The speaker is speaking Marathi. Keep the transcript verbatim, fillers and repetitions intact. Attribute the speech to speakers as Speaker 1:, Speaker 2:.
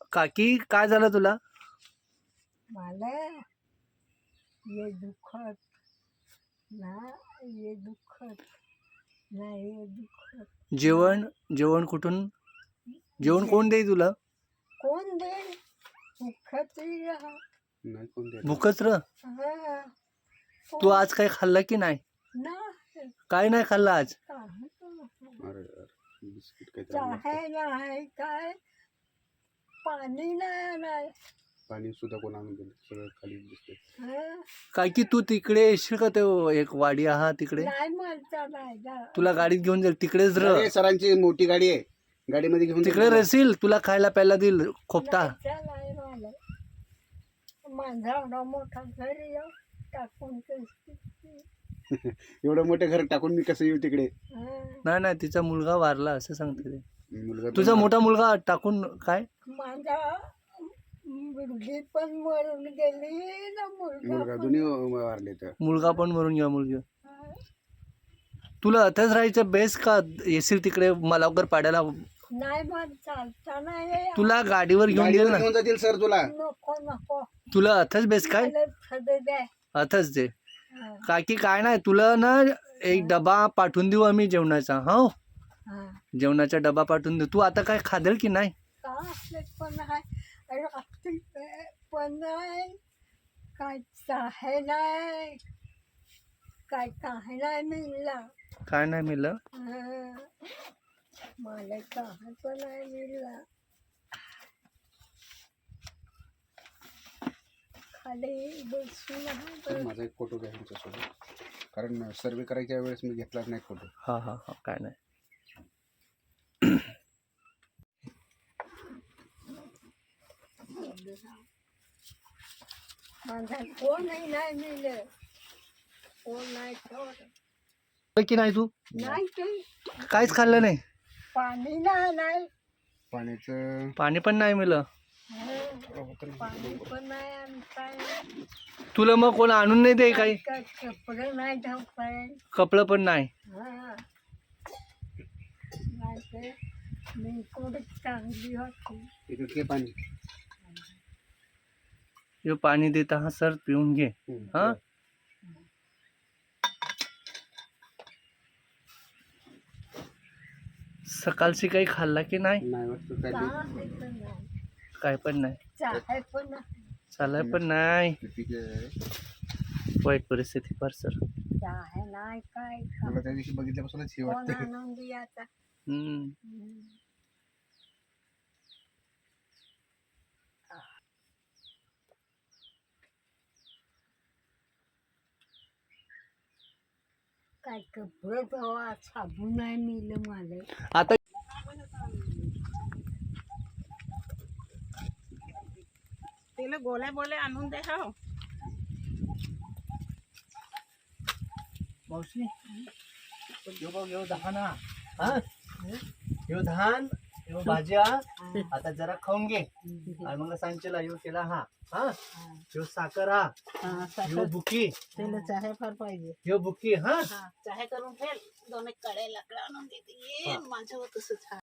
Speaker 1: काकी काय झालं तुला?
Speaker 2: मला ये दुखत ना, ये दुखत ना, ये दुखत.
Speaker 1: जेवण जेवण कुठून जेवण कोण देई तुला?
Speaker 2: कोण दे दुखत राहा.
Speaker 3: नाही कोण द्या
Speaker 1: भूकच र.
Speaker 2: हा.
Speaker 1: तू आज काही खाल्लं की नाही?
Speaker 2: नाही
Speaker 1: काय नाही खाल्लं आज?
Speaker 2: काही नाही.
Speaker 3: अरे यार, बिस्किट काय
Speaker 2: चहा नाही, काय पाणी नाही नाही.
Speaker 3: पाणी सुद्धा कोण आणून दिलं, सगळं खाली दिसते.
Speaker 2: हा.
Speaker 1: काकी तू तिकडे येशील का? ते एक वाडी आहा तिकडे,
Speaker 2: नाही म्हणता नाही जा.
Speaker 1: तुला गाडीत घेऊन जाईल तिकडेच र.
Speaker 3: अरे सरांची मोठी गाडी आहे, गाडीमध्ये घेऊन
Speaker 1: तिकडे रसील, तुला खायला प्यायला देईल खोपता.
Speaker 2: नाही, नाही मला. माझा एवढा मोठा घरी येऊ टाकून कशी.
Speaker 3: एवढं मोठं घर टाकून मी कसं येऊ तिकडे?
Speaker 2: हा.
Speaker 1: नाही नाही, तिचा मुलगा वारला असं सांगते ते.
Speaker 3: मुलगा
Speaker 1: तुझा मोठा मुलगा टाकून काय?
Speaker 2: माझा मुलगी पण मरून गेली ना, मुलगा
Speaker 3: मुलगा
Speaker 2: पण.
Speaker 3: दोन्ही वारले तर.
Speaker 1: मुलगा पण मरून घ्या मुलगी.
Speaker 2: हा.
Speaker 1: तुला अथच राहायचं बेस का येशील तिकडे मलावकर पाड्याला?
Speaker 2: नाही मग चालता नाही.
Speaker 1: तुला गाडीवर घेऊन
Speaker 3: गाडीवर
Speaker 1: देईल ना.
Speaker 3: घेऊन जातील सर तुला.
Speaker 2: नको नको.
Speaker 1: तुला अथच बेस काय?
Speaker 2: मला थोडं द्या.
Speaker 1: अथच दे.
Speaker 2: हा.
Speaker 1: काकी काय नाही, तुला ना एक डबा पाठवून देऊ आम्ही जेवणाचा. हो,
Speaker 2: हा.
Speaker 1: जेवणाचा डबा पाठवून देऊ. तू आता काय खादेल की नाही?
Speaker 2: का असले पण आहे, रात्री पण नाही, काय चाहे नाही, काय काय नाही मिळला.
Speaker 1: काय नाही मिळलं?
Speaker 2: हा. मला काय पण नाही मिळला. खाली बसून आहे.
Speaker 3: माझा एक फोटो घ्या तुमच्यासोबत, कारण सर्वे करायच्या वेळेस मी घेतलाच नाही फोटो.
Speaker 1: हा हा हा, काय नाही.
Speaker 2: माझा कोणही नाही मिळलं, कोण नाही ठेवलं.
Speaker 1: की नाही तू
Speaker 2: नाही ते
Speaker 1: काहीच खाल्लं नाही?
Speaker 2: पाणी नाही नाही.
Speaker 3: पाण्याचं
Speaker 1: पाणी पण नाही मिळलं?
Speaker 2: हा. पाणी पण नाही आणि काय
Speaker 1: तुला मग कोण आणून नाही दे काही?
Speaker 2: काय कपडे नाही ठेवताय.
Speaker 1: कपडं पण नाही?
Speaker 2: हा. नाही ते मी कुठे चांगली होती.
Speaker 3: इकडे पाणी.
Speaker 1: हे पाणी देत हा सर, पिऊन घे. हा, सकाळची काही खाल्ला की नाही?
Speaker 3: नाही वाटतं काय
Speaker 2: चहा पण नाही.
Speaker 1: काय पण नाही,
Speaker 2: चहा पण नाही.
Speaker 1: चालाय पण नाही.
Speaker 3: ठीक आहे.
Speaker 1: वाईट परिस्थिती फार सर.
Speaker 2: चहा नाही काय
Speaker 3: मला त्या दिवशी बघितल्यापासूनच हे
Speaker 2: कोण
Speaker 3: वाटतं.
Speaker 2: आणून द्यायचा.
Speaker 1: हम्म.
Speaker 2: हम्म. काय कपडे धुवा साबण नाही मिळलं मला.
Speaker 1: आता
Speaker 4: तिला गोल्या बोले आणून दे. हो
Speaker 1: मावशी, यो बघ, यो धान हा. हा? यो धान, यो भाज्या आता जरा खाऊन घे. आणि मग सांगशील यो केला हा. हा, यो साखर हा, यो बुकी,
Speaker 4: तिला चहा फार पाहिजे.
Speaker 1: यो बुकी. हा,
Speaker 4: चहा करून ठेव, दोन एक कड्या लाकडं आणून देते. ये माझ्यावर तसंच.